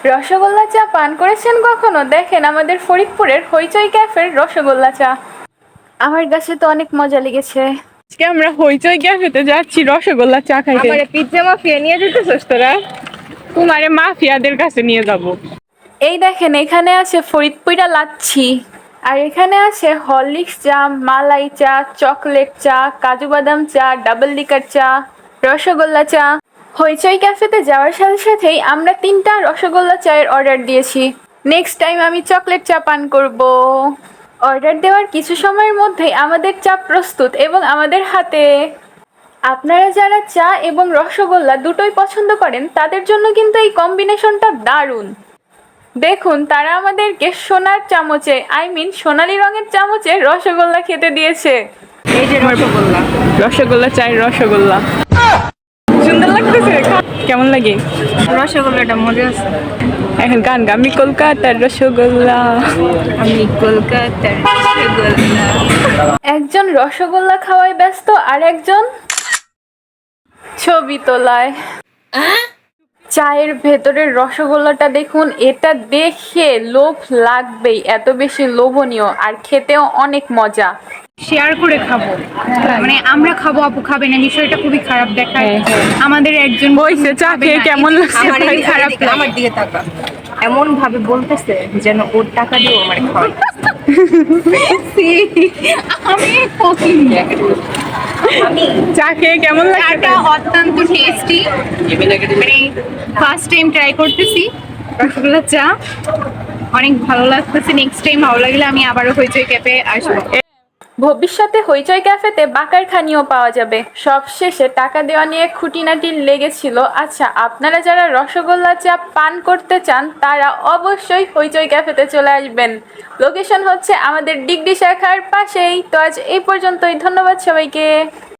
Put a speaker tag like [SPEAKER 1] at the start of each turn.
[SPEAKER 1] রসগোল্লা চা পান করেছেন কখনো? দেখেন আমাদের ফরিদপুরের হইচই ক্যাফের রসগোল্লা চা। আমার কাছে তো অনেক মজা লেগেছে।
[SPEAKER 2] আজকে আমরা হইচই ক্যাফেতে যাচ্ছি রসগোল্লা চা খাইতে। আমারে পিজ্জা মাফিয়া নিয়ে যেতেছস তোরা? তোমারে মাফিয়াদের কাছে নিয়ে যাব।
[SPEAKER 1] এই দেখেন এখানে আছে ফরিদপুরা লাচ্ছি, আর এখানে আছে হরলিক্স চা, মালাই চা, চকলেট চা, কাজু বাদাম চা, ডাবল লিকার চা, রসগোল্লা চা। হইচই ক্যাফেতে যাওয়ার সাথে সাথেই আমরা 3টা রসগোল্লা চায়ের অর্ডার দিয়েছি। নেক্সট টাইম আমি চকলেট চা পান করব। অর্ডার দেওয়ার কিছু সময়ের মধ্যেই আমাদের চা প্রস্তুত এবং আমাদের হাতে। আপনারা যারা চা এবং রসগোল্লা দুটোই পছন্দ করেন তাদের জন্য কিন্তু এই কম্বিনেশনটা দারুণ। দেখুন তারা আমাদেরকে সোনার চামচে, সোনালী রঙের চামচে রসগোল্লা খেতে দিয়েছে।
[SPEAKER 2] এই যে রসগোল্লা, রসগোল্লা চায়ের রসগোল্লা সুন্দর লাগতেছে। কেমন লাগে
[SPEAKER 3] রসগোল্লাটা? মজা আছে।
[SPEAKER 2] এখন গান গা, আমি কলকাতার রসগোল্লা,
[SPEAKER 3] আমি কলকাতার রসগোল্লা।
[SPEAKER 1] একজন রসগোল্লা খাওয়ায় ব্যস্ত আর একজন ছবি তোলায়। চায়ের ভেতরের রসগোল্লাটা দেখুন, এটা দেখে লোভ লাগবেই, এত বেশি লোভনীয় আর খেতেও অনেক মজা।
[SPEAKER 3] শেয়ার করে খাবো, মানে আমরা খাবো, আপু খাবে না, বিষয়টা খুবই খারাপ দেখায়। আমাদের একজন
[SPEAKER 2] বইছে চা খেয়ে কেমন লাগছে?
[SPEAKER 3] আমার খারাপ লাগে।
[SPEAKER 4] আমার দিকে তাকা, এমন ভাবে বলতেছে যেন ওর টাকা দিয়ে আমার খাওয়াই।
[SPEAKER 3] আমি ফকিং।
[SPEAKER 2] চা খেয়ে কেমন লাগছে?
[SPEAKER 3] চাটা অত্যন্ত টেস্টি, মানে ফার্স্ট টাইম ট্রাই করতেছি রসগোল্লা চা, অনেক ভালো লাগতেছে। নেক্সট টাইম ভালো লাগলে আমি আবারও হইচই ক্যাফে আসবো।
[SPEAKER 1] ভবিষ্যতে হইচই ক্যাফেতে বাকার খানিও পাওয়া যাবে। সবশেষে টাকা দেওয়া নিয়ে খুঁটিনাটি লেগেছিল। আচ্ছা, আপনারা যারা রসগোল্লা চা পান করতে চান তারা অবশ্যই হইচই ক্যাফেতে চলে আসবেন। লোকেশন হচ্ছে আমাদের ডিগডি শাখার পাশেই। তো আজ এই পর্যন্তই, ধন্যবাদ সবাইকে।